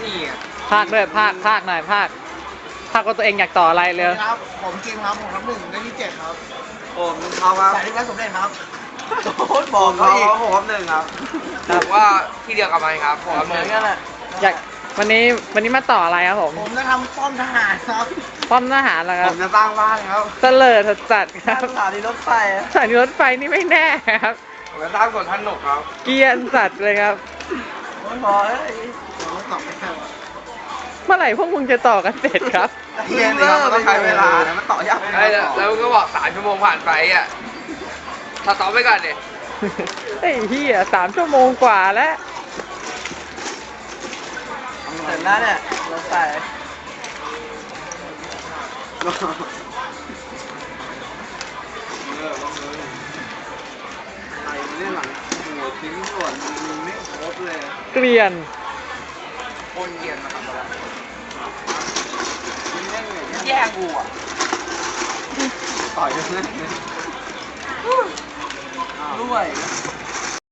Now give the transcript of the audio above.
นี่อ่ะภาคด้วยภาคหน่อยภาคว่าตัวเองอยากต่ออะไรเลยครับผมกิมครับผมรับ1ได้ที่7ครับผมเอาครับสายที่แล้วสมเด็จครับโค้ดบอกเขาอีกผมครับ1ครับครับผมว่าที่เดียวกับมันครับผมครับเหมือนกันแหละอยากวันนี้มาต่ออะไรครับผมผมจะทำป้อมทหารครับป้อมทหารเหรอคผรับมจะสร้างบ้านครับเสลิดจัดครับสถานีรถไฟสถานีรถไฟนี่ไม่แน่ครับผมจะสร้างสวนสนุกครับเกรียนสัตว์เลยครับโอ้ยพอเอ้ยผมตอบไม่ได้ว่ะเมื่อไหร่พวกมึงจะต่อกันเสร็จครับเทียนนี่ครับมันต้องใช้เวลานะมันต่อยากแล้วก็บอก3 ชั่วโมงผ่านไปอ่ะถ้าต่อไปก่อนดิไอ้เหี้ย3 ชั่วโมงกว่าแล้วเสร็จแล้วเนี่ยรถไฟอะไรเนี่ยหลังโอ้ทิ้งส่วนมันไม่ครบเลยเกรียนคนเกียนมาทำอะไรแย่งกูอ่ะต่อยกันเลยด้วย